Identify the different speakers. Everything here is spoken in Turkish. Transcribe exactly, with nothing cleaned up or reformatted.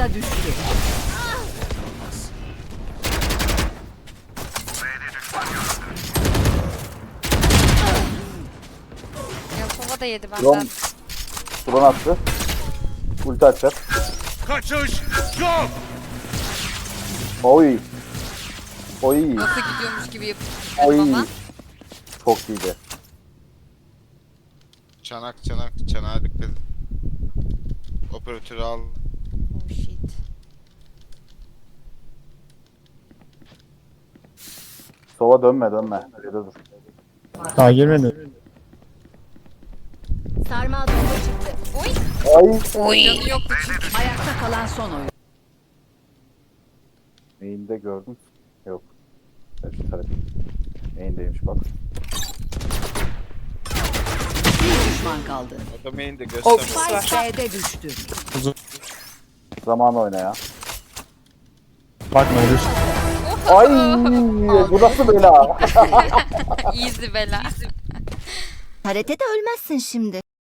Speaker 1: Spike'da düştü.
Speaker 2: Ya Sova da yedi
Speaker 3: Drone,
Speaker 2: benden.
Speaker 3: drone attı. Ulti atacak.
Speaker 4: Kaçış yok.
Speaker 3: Oy. Oy.
Speaker 2: Nasıl gidiyormuş gibi yapıp
Speaker 3: Oy.
Speaker 2: ama.
Speaker 3: Çok iyiydi.
Speaker 5: Çanak çanak çanağa dikkat edin. Operatörü al.
Speaker 2: Oh shit.
Speaker 3: Sova dönme dönme. Şurada dur.
Speaker 6: Daha girmedi.
Speaker 1: Sarmal bomba çıktı.
Speaker 3: Ay.
Speaker 2: Canı yoktu çünkü.
Speaker 1: Ayakta kalan son oyun.
Speaker 3: Neyinde gördün? Yok. Evet, tabii. Neyindeymiş bak.
Speaker 1: Bir düşman kaldı.
Speaker 5: Adam de
Speaker 7: O
Speaker 5: göster.
Speaker 1: Spike B'de düştü.
Speaker 3: Zaman oyna ya.
Speaker 6: Bakma ölür.
Speaker 3: Ay. Bu nasıl bela?
Speaker 2: Easy bela.
Speaker 8: Karate de ölmezsin şimdi.